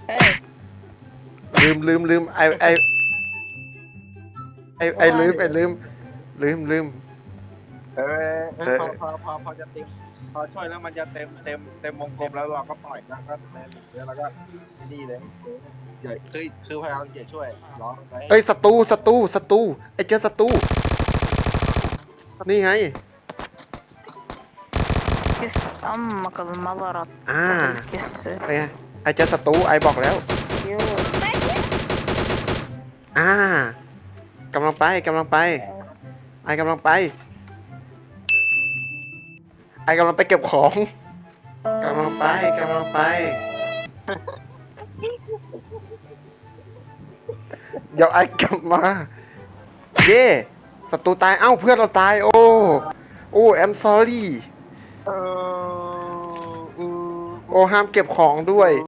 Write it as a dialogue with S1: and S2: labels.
S1: Hey,
S2: ลืมลืม
S3: พอจะเต็มพอช่วยแล้วมันจะเต็มวงกลมแล้วเราก็ปล่อยแล้วก็แมนแล้วก็นี่เลยอย่าคือพยายามอย่าช่วยร้องไป
S2: เอ้ยศัตรูไอ้เจอศัตรูนี่ไง
S1: kiss أمك بالمبرة.
S2: อ่า
S1: kiss
S2: ไงไอ้เจอศัตรูไอ้บอกแล้ว
S1: you.
S2: อ่ากำลังไปไอ้กำลังไปไอ้กำลังไปเก็บของกำลังไปเดี๋ยวไอ้กลับมาเย่ศัตรูตายเอ้าเพื่อนเราตายโอ้ I'm sorry โอ้ห้ามเก็บของด้วย